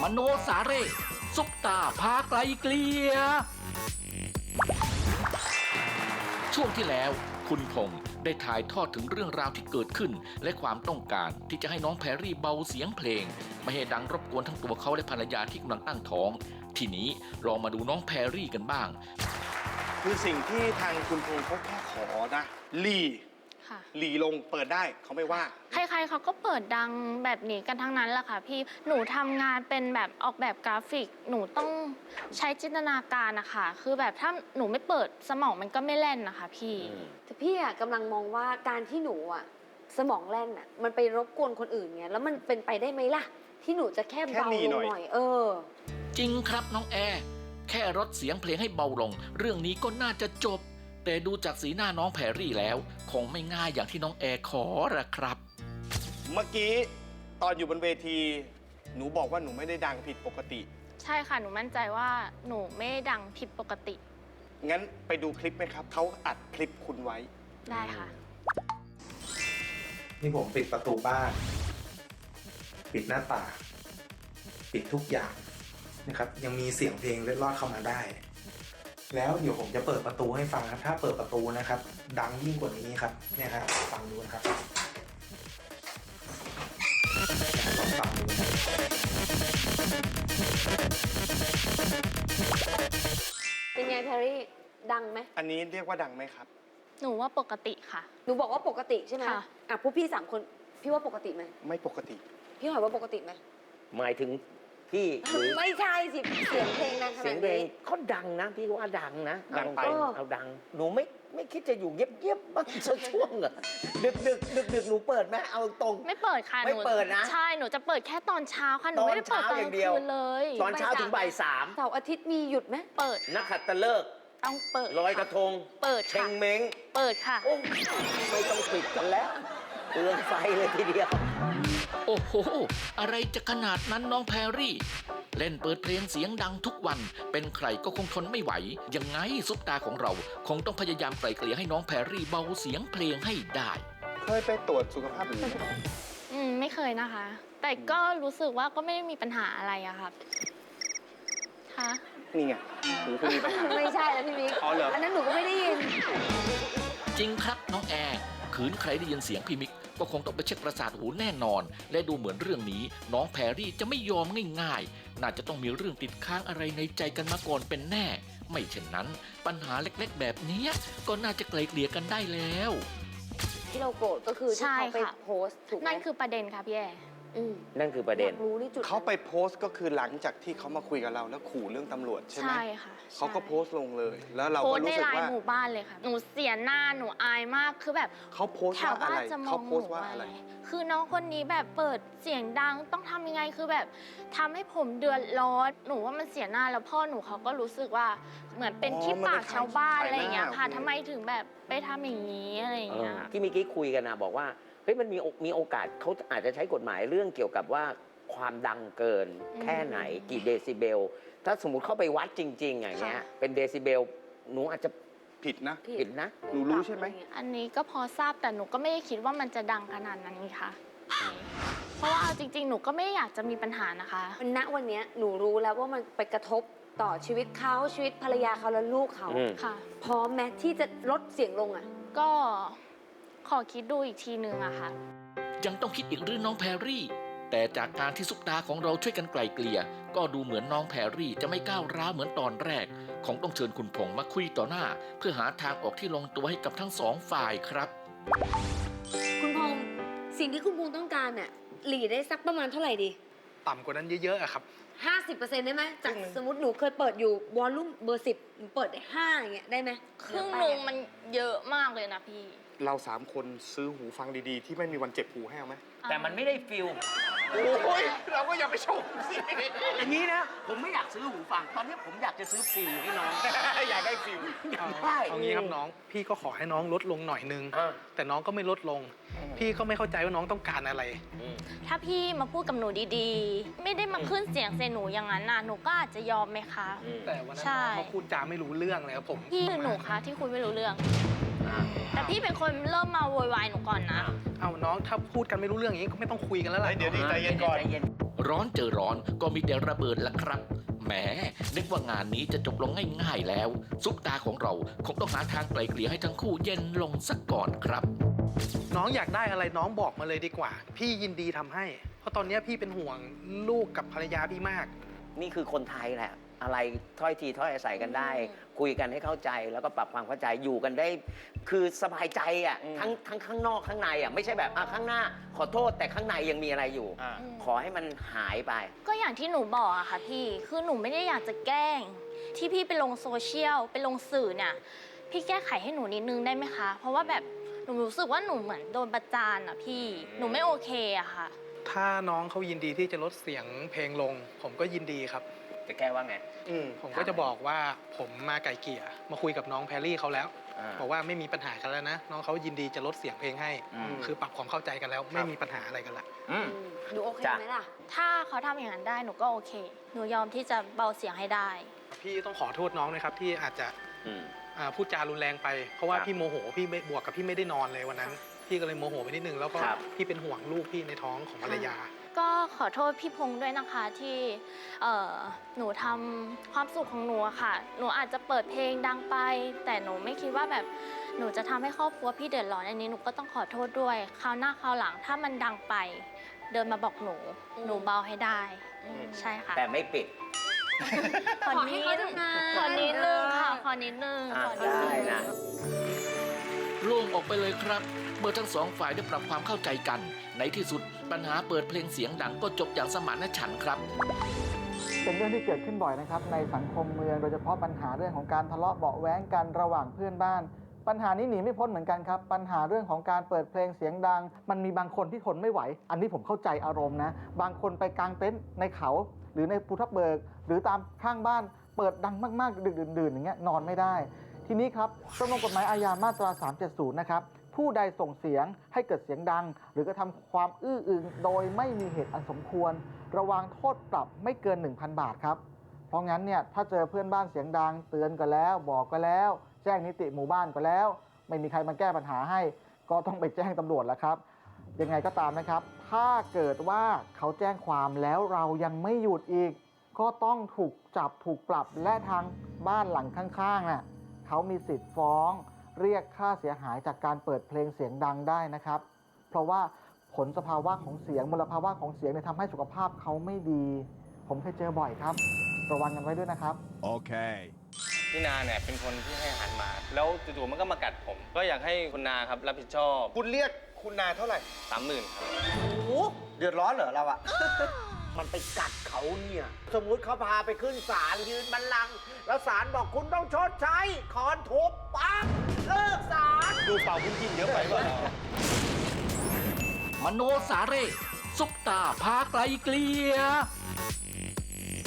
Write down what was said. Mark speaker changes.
Speaker 1: มโนสาเร่ซุปตาพาไกลเกลียช่วงที่แล้วคุณพงษ์ได้ถ่ายทอดถึงเรื่องราวที่เกิดขึ้นและความต้องการที่จะให้น้องแพรรี่เบาเสียงเพลงไม่ให้ดังรบกวนทั้งตัวเขาและภรรยาที่กำลังตั้งท้องทีนี้ลองมาดูน้องแพรรี่กันบ้าง
Speaker 2: คือสิ่งที่ทางคุณพงษ์เขาแค่ขอนะหลีลงเปิดได้เขาไม่ว่า
Speaker 3: ใครๆเขาก็เปิดดังแบบนี้กันทั้งนั้นแหละค่ะพี่หนูทำงานเป็นแบบออกแบบกราฟิกหนูต้องใช้จินตนาการนะคะคือแบบถ้าหนูไม่เปิดสมองมันก็ไม่แล่นนะคะพี่
Speaker 4: แต่พี่อะกำลังมองว่าการที่หนูอะสมองแล่นอะมันไปรบกวนคนอื่นไงแล้วมันเป็นไปได้ไหมล่ะที่หนูจะแค่เบาลงหน่อย
Speaker 1: จริงครับน้องแอร์แค่ลดเสียงเพลงให้เบาลงเรื่องนี้ก็น่าจะจบแต่ดูจากสีหน้าน้องแพรรี่แล้วคงไม่ง่ายอย่างที่น้องแอร์ขอละครับ
Speaker 2: เมื่อกี้ตอนอยู่บนเวทีหนูบอกว่าหนูไม่ได้ดังผิดปกติ
Speaker 3: ใช่ค่ะหนูมั่นใจว่าหนูไม่ได้ดังผิดปกติ
Speaker 2: งั้นไปดูคลิปไหมครับเขาอัดคลิปคุณไว้
Speaker 3: ได้ค่ะ
Speaker 5: นี่ผมปิดประตูบ้านปิดหน้าต่างปิดทุกอย่างนะครับยังมีเสียงเพลงเล็ดลอดเข้ามาได้แล้วเดี๋ยวผมจะเปิดประตูให้ฟังครับถ้าเปิดประตูนะครับดังยิ่งกว่านี้ครับเนี่ยครับฟังดูนะครับลองฟังดู
Speaker 4: เป็นไงแพรรี่ดังไหม
Speaker 2: อันนี้เรียกว่าดังไหมครับ
Speaker 3: หนูว่าปกติค่ะ
Speaker 4: หนูบอกว่าปกติใช่ไหมอ่ะพวกพี่3 คนพี่ว่าปกติไหม
Speaker 2: ไม่ปกติ
Speaker 4: พี่หอยว่าปกติไหม
Speaker 6: หมายถึงพี่
Speaker 4: ไม่ใช่สิเสียงเพลงดังขนาดนี้
Speaker 6: เสียงเพลงเขาดังนะพี่ว่าดังนะ
Speaker 2: ดังไป
Speaker 6: เอาดังหนูไม่คิดจะอยู่เงียบๆบ้างสักช่วงเหรอดึกหนูเปิดไหมเอาตรง
Speaker 3: ไม่เปิดค่ะ
Speaker 6: ไม่เปิดนะ
Speaker 3: ใช่หนูจะเปิดแค่ตอนเช้าค่ะหนูไม่ได้เปิดตอนกลางคืนเลย
Speaker 6: ตอนเช้าถึงบ่าย 3
Speaker 4: เสาร์อาทิตย์มีหยุดไหม
Speaker 3: เปิด
Speaker 6: นักขัตฤกษ์
Speaker 3: ต้องเปิด
Speaker 6: ลอยกระทง
Speaker 3: เปิด
Speaker 6: เชงเม้ง
Speaker 3: เปิดค่ะ
Speaker 6: โอ้ไม่ต้องปิดกันแล้วเปลืองไฟเลยทีเดียว
Speaker 1: โอ้โหอะไรจะขนาดนั้นน้องแพรรี่เล่นเปิดเพลงเสียงดังทุกวันเป็นใครก็คงทนไม่ไหวยังไงซุปตาของเราคงต้องพยายามไกล่เกลี่ยให้น้องแพรรี่เบาเสียงเพลงให้ได้
Speaker 2: เคยไปตรวจสุขภาพหรือ
Speaker 3: ไม่เคยนะคะแต่ก็รู้สึกว่าก็ไม่ได้มีปัญหาอะไรอะครับค่ะ
Speaker 2: นี่ไงหนูคุณมีปัญหา
Speaker 4: ไม่ใช่แล้วพี่มิก
Speaker 2: อ๋อเหรอ
Speaker 4: อันนั้นหนูก็ไม่ได้ยิน
Speaker 1: จริงครับน้องแอร์ขืนใครได้ยินเสียงพี่มิกก็คงต้องไปเช็คประสาทหูแน่นอนและดูเหมือนเรื่องนี้น้องแพรรี่จะไม่ยอมง่ายๆน่าจะต้องมีเรื่องติดค้างอะไรในใจกันมาก่อนเป็นแน่ไม่เช่นนั้นปัญหาเล็กๆแบบนี้ก็น่าจะไกลเกลี่ยกันได้แล้ว
Speaker 4: ที่เราโกรธก็คือที่เขาไปโพสต์ถูกไหม
Speaker 3: นั่นคือประเด็นค่ะพี่แอ
Speaker 6: นั่นคือประเด็น
Speaker 2: เขาไปโพสต์ก็คือหลังจากที่เขามาคุยกับเราแล้วขู่เรื่องตำรวจใช่ไหม
Speaker 3: ใช่ค่ะ
Speaker 2: เขาก็โพสต์ลงเลยแล้วเราก็รู้สึกว่าโพสต์
Speaker 3: ในไลน์หมู่บ้านเลยค่ะหนูเสียหน้าหนูอายมากคือแบบ
Speaker 2: เขาโพสต์ว่าอะไรเขาโพสต์ว่าอะไร
Speaker 3: คือน้องคนนี้แบบเปิดเสียงดังต้องทำยังไงคือแบบทำให้ผมเดือดร้อนหนูว่ามันเสียหน้าแล้วพ่อหนูเขาก็รู้สึกว่าเหมือนเป็นที่ปากชาวบ้านอะไรอย่างเงี้ยค่ะทำไมถึงแบบไปทำอย่างนี้อะไรอย่างเงี้ย
Speaker 6: ที่เมื่อกี้คุยกันนะบอกว่าเฮ้ยมันมีโอกาสเขาอาจจะใช้กฎหมายเรื่องเกี่ยวกับว่าความดังเกินแค่ไหนกี่เดซิเบลถ้าสมมุติเข้าไปวัดจริงๆอย่างเงี้ยเป็นเดซิเบลหนูอาจจะ
Speaker 2: ผิดนะหนูรู้ใช่ไหม
Speaker 3: อันนี้ก็พอทราบแต่หนูก็ไม่ได้คิดว่ามันจะดังขนาดนั้นค่ะเพราะว่าจริงๆหนูก็ไม่อยากจะมีปัญหานะคะ
Speaker 4: ณวันนี้หนูรู้แล้วว่ามันไปกระทบต่อชีวิตเขาชีวิตภรรยาเขาและลูกเขา
Speaker 3: ค่ะ
Speaker 4: พร้อมแม้ที่จะลดเสียงลงอ่ะ
Speaker 3: ก็ขอคิดดูอีกทีนึงอะค่ะ
Speaker 1: ยังต้องคิดอีกเรื่องน้องแพรรี่แต่จากการที่ซุปตาของเราช่วยกันไกล่เกลี่ยก็ดูเหมือนน้องแพรรี่จะไม่ก้าวร้าวเหมือนตอนแรกคงต้องเชิญคุณพงษ์มาคุยต่อหน้าเพื่อหาทางออกที่ลงตัวให้กับทั้ง2 ฝ่ายครับ
Speaker 4: คุณพงษ์สิ่งที่คุณพงษ์ต้องการน่ะหลีได้สักประมาณเท่าไหร่ดี
Speaker 5: ต่ำกว่านั้นเยอะๆอะครับ
Speaker 4: 50%ได้ไหมจากสมมติหนูเคยเปิดอยู่วอลลุ่มเบอร์ 10หนูเปิดได้5อย่างเงี้ยได้ไหม
Speaker 3: ครึ่งนึงมันเยอะมากเลยนะพี่
Speaker 2: เรา3 คนซื้อหูฟังดีๆที่ไม่มีวันเจ็บหูให้เอาไหม
Speaker 6: แต่มันไม่ได้ฟิล
Speaker 2: โอ้ยเราก็อย่าไปชมสิ
Speaker 6: อย่างนี้นะผมไม่อยากซื้อหูฟังตอนนี้ผมอยากจะซื้อฟิลให้น้อง
Speaker 2: อยากได้ฟิล
Speaker 5: เอางี้ครับน้องพี่ก็ขอให้น้องลดลงหน่อยนึงแต่น้องก็ไม่ลดลงพี่ก็ไม่เข้าใจว่าน้องต้องการอะไร
Speaker 3: ถ้าพี่มาพูดกับหนูดีๆไม่ได้มาขึ้นเสียงใส่หนูอย่างนั้นน่ะหนูก็อาจจะยอมไหมคะ
Speaker 5: แต่วันนั้นน้องเขาพูดจาไม่รู้เรื่องเลยครับผม
Speaker 3: พี่หนูคะที่คุยไม่รู้เรื่องแต่พี่เป็นคนเริ่มมาโวยวายหนูก่อนนะ
Speaker 5: เอาน้องถ้าพูดกันไม่รู้เรื่องอย่างนี้ก็ไม่ต้องคุยกันแล้วล่ะ
Speaker 2: เดี๋ยวใจเย็นก่อน
Speaker 1: ร้อนเจอร้อนก็มีแต่ระเบิดละครับแหมนึกว่างานนี้จะจบลงง่ายๆแล้วซุปตาของเราคงต้องหาทางไกลเกลี่ยให้ทั้งคู่เย็นลงสักก่อนครับ
Speaker 5: น้องอยากได้อะไรน้องบอกมาเลยดีกว่า พี่ยินดีทำให้ เพราะตอนนี้พี่เป็นห่วงลูกกับภรรยาพี่มาก
Speaker 6: นี่คือคนไทยแหละ อะไรถ้อยทีถ้อยอาศัยกันได้ คุยกันให้เข้าใจแล้วก็ปรับความเข้าใจอยู่กันได้ คือสบายใจอ่ะทั้งข้างนอกข้างในอ่ะไม่ใช่แบบข้างหน้าขอโทษแต่ข้างในยังมีอะไรอยู่ ขอให้มันหายไป
Speaker 3: ก็อย่างที่หนูบอกอะค่ะพี่ คือหนูไม่ได้อยากจะแกล้ง ที่พี่ไปลงโซเชียลไปลงสื่อเนี่ย พี่แก้ไขให้หนูนิดนึงได้ไหมคะ เพราะว่าแบบหนูรู้สึกว่าหนูเหมือนโดนประจานอะพี่ หนูไม่โอเคอะค่ะ
Speaker 5: ถ้าน้องเขายินดีที่จะลดเสียงเพลงลง ผมก็ยินดีครับ
Speaker 6: จะแก้ว่าไง
Speaker 5: ผมก็จะบอกว่าผมมาไก่เกลี่ยมาคุยกับน้องแพรรี่เขาแล้วบอกว่าไม่มีปัญหากันแล้วนะ น้องเขายินดีจะลดเสียงเพลงให้ คือปรับความเข้าใจกันแล้วไม่มีปัญหาอะไรกันละ
Speaker 4: หนูโอเค
Speaker 6: จ้ะ
Speaker 4: ไหมล่ะ
Speaker 3: ถ้าเขาทำอย่างนั้นได้หนูก็โอเค หนูยอมที่จะเบาเสียงให้ได้
Speaker 5: พี่ต้องขอโทษน้องนะครับที่อาจจะ
Speaker 6: อืม
Speaker 5: พูดจารุนแรงไป เพราะว่า
Speaker 6: ครับ
Speaker 5: พี่โมโหพี่ไม่บวกกับพี่ไม่ได้นอนเลยวันนั้น พี่ก็เลยโมโหไปนิดนึงแล้วก็
Speaker 6: ครับ
Speaker 5: พี่เป็นห่วงลูกพี่ในท้องของภรรยา
Speaker 3: ก็ขอโทษพี่พงษ์ด้วยนะคะที่หนูทำความสุขของหนูอะค่ะ หนูอาจจะเปิดเพลงดังไป แต่หนูไม่คิดว่าแบบหนูจะทำให้ครอบครัวพี่เดือดร้อนอันนี้หนูก็ต้องขอโทษด้วยคราวหน้าคราวหลังถ้ามันดังไป เดินมาบอกหนู หนูเบาให้ได้ ใช่ค่ะ
Speaker 6: แต่ไม่ปิด
Speaker 3: ขอ
Speaker 4: ขอให้เขาทำงาน
Speaker 3: ขอนิดนึงค่ะ ขอนิดนึงขอนิด
Speaker 6: ได้
Speaker 3: นึง
Speaker 6: นะ
Speaker 1: โล่งออกไปเลยครับเมื่อทั้งสองฝ่ายได้ปรับความเข้าใจกัน ในที่สุดปัญหาเปิดเพลงเสียงดังก็จบอย่างสมานฉันท์ครับ
Speaker 7: เป็นเรื่องที่เกิดขึ้นบ่อยนะครับในสังคมเมืองโดยเฉพาะปัญหาเรื่องของการทะเลาะเบาะแว้งกันระหว่างเพื่อนบ้าน ปัญหานี้หนีไม่พ้นเหมือนกันครับปัญหาเรื่องของการเปิดเพลงเสียงดัง มันมีบางคนที่ทนไม่ไหว อันนี้ผมเข้าใจอารมณ์นะบางคนไปกางเต็นท์ในเขา หรือในภูทับเบิก หรือตามข้างบ้านเปิดดังมากๆดึกดื่นๆอย่างเงี้ยนอนไม่ได้ ทีนี้ครับประมวลกฎหมายอาญามาตรา 370 นะครับผู้ใดส่งเสียงให้เกิดเสียงดัง หรือกระทำความอื้ออึงโดยไม่มีเหตุอันสมควร ระวังโทษปรับไม่เกิน 1,000 บาทครับเพราะงั้นเนี่ยถ้าเจอเพื่อนบ้านเสียงดังเตือนก็แล้วบอกก็แล้ว แจ้งนิติหมู่บ้านก็แล้ว ไม่มีใครมาแก้ปัญหาให้ ก็ต้องไปแจ้งตำรวจแล้วครับยังไงก็ตามนะครับถ้าเกิดว่าเขาแจ้งความแล้วเรายังไม่หยุดอีก ก็ต้องถูกจับถูกปรับและทางบ้านหลังข้างๆน่ะเขามีสิทธิ์ฟ้องเรียกค่าเสียหายจากการเปิดเพลงเสียงดังได้นะครับ เพราะว่าผลสภาวะของเสียงมลภาวะของเสียงเนี่ยทำให้สุขภาพเขาไม่ดี ผมเคยเจอบ่อยครับระวังกันไว้ด้วยนะครับ
Speaker 8: Okay.
Speaker 9: พี่นาเนี่ยเป็นคนที่ให้อาหารหมา แล้วจู่ๆมันก็มากัดผม ก็อยากให้คุณนาครับรับผิดชอบ
Speaker 2: คุณเรียกคุณนาเท่าไหร่
Speaker 9: 30,000 ครับ
Speaker 10: โอ้เดือดร้อนเหรอเราอะ
Speaker 6: มันไปกัดเขาเนี่ย สมมุติเขาพาไปขึ้นศาลยืนบัลลังก์แล้วศาลบอกคุณต้องชดใช้ขอนทุบปั๊บเลิกศาล
Speaker 9: ดูเป่าคุณกินเยอะไปเปล่า
Speaker 1: มโนสาเร่ซุปตาพาไกลเกลีย